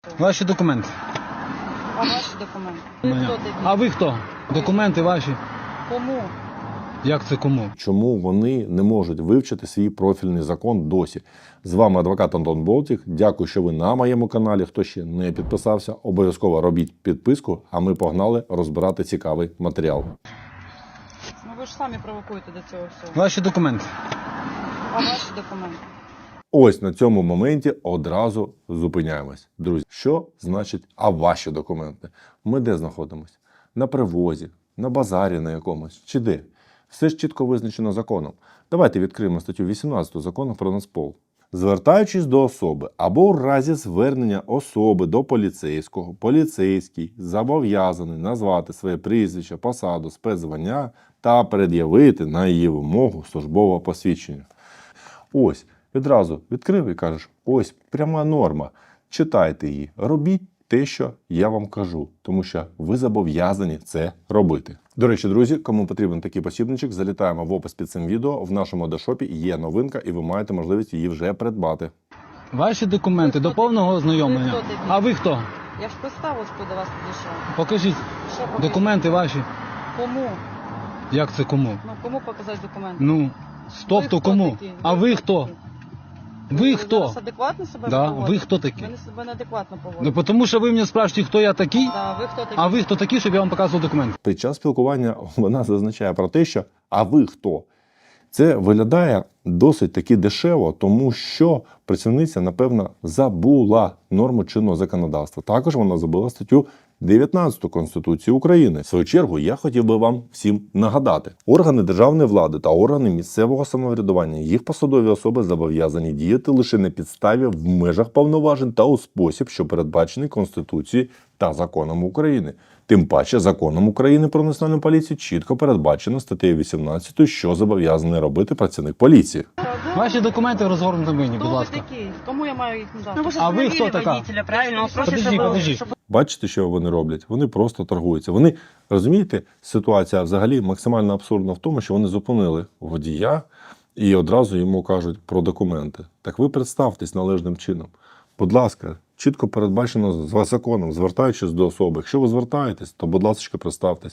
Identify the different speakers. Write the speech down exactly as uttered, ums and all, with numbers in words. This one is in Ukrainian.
Speaker 1: Ваші документи.
Speaker 2: А ваші документи? Ви
Speaker 1: Моя.
Speaker 2: хто такі?
Speaker 1: А ви хто? Документи ваші.
Speaker 2: Кому?
Speaker 1: Як це кому?
Speaker 3: Чому вони не можуть вивчити свій профільний закон досі? З вами адвокат Антон Болтік. Дякую, що ви на моєму каналі. Хто ще не підписався, обов'язково робіть підписку, а ми погнали розбирати цікавий матеріал.
Speaker 2: Ну ви ж самі провокуєте до цього всього.
Speaker 1: Ваші документи.
Speaker 2: А ваші документи?
Speaker 3: Ось на цьому моменті одразу зупиняємось. Друзі, що значить «а ваші документи»? Ми де знаходимося? На привозі, на базарі на якомусь, чи де? Все ж чітко визначено законом. Давайте відкриємо статтю вісімнадцяту Закону про Нацпол. Звертаючись до особи або у разі звернення особи до поліцейського, поліцейський зобов'язаний назвати своє прізвище, посаду, спецзвання та пред'явити на її вимогу службове посвідчення. Ось, відразу відкрив і кажеш, ось пряма норма, читайте її, робіть те, що я вам кажу, тому що ви зобов'язані це робити. До речі, друзі, кому потрібен такий посібничок, залітаємо в опис під цим відео. В нашому дешопі є новинка і ви маєте можливість її вже придбати.
Speaker 1: Ваші документи
Speaker 2: Ви
Speaker 1: до
Speaker 2: хто
Speaker 1: повного
Speaker 2: такі?
Speaker 1: ознайомлення.
Speaker 2: Ви хто такі?
Speaker 1: А ви хто?
Speaker 2: Я ж представилась, до вас підійшла.
Speaker 1: Покажіть
Speaker 2: Що покажіть?
Speaker 1: документи ваші.
Speaker 2: Кому?
Speaker 1: Як це кому?
Speaker 2: Ну кому показати документи?
Speaker 1: Ну, стоп,
Speaker 2: Ви
Speaker 1: то
Speaker 2: хто
Speaker 1: кому?
Speaker 2: такі?
Speaker 1: А ви хто?
Speaker 2: такі?
Speaker 1: Ви хто?
Speaker 2: зараз адекватно себе
Speaker 1: Да,
Speaker 2: поводите?
Speaker 1: ви хто такі?
Speaker 2: Ви не себе неадекватно поводите.
Speaker 1: Ну, тому що ви мене спрашуєте, хто я такий,
Speaker 2: Да, ви хто такі?
Speaker 1: а ви хто такий, щоб я вам показував документи.
Speaker 3: Під час спілкування вона зазначає про те, що «а ви хто?». Це виглядає досить таки дешево, тому що працівниця, напевно, забула норму чинного законодавства. Також вона забула статтю дев'ятнадцяту Конституції України. В свою чергу, я хотів би вам всім нагадати. Органи державної влади та органи місцевого самоврядування, їх посадові особи зобов'язані діяти лише на підставі в межах повноважень та у спосіб, що передбачений Конституцією та законом України. Тим паче, законом України про національну поліцію чітко передбачено статтею вісімнадцятою, що зобов'язаний робити працівник поліції.
Speaker 1: Ваші документи розгорнуті мені, будь
Speaker 2: Хто ви
Speaker 1: ласка.
Speaker 2: такі? Кому я маю їх надати?
Speaker 4: Ну, вы же
Speaker 1: А вы
Speaker 4: остановили
Speaker 1: кто такая?
Speaker 4: водителя, правильно? Он просит,
Speaker 1: Подожди,
Speaker 4: чтобы-
Speaker 1: подожди.
Speaker 4: чтобы-
Speaker 3: Бачите, що вони роблять? Вони просто торгуються. Вони, розумієте, ситуація взагалі максимально абсурдна в тому, що вони зупинили водія і одразу йому кажуть про документи. Так ви представтесь належним чином. Будь ласка, чітко передбачено з законом, звертаючись до особи. Якщо ви звертаєтесь, то, будь ласка, представтесь.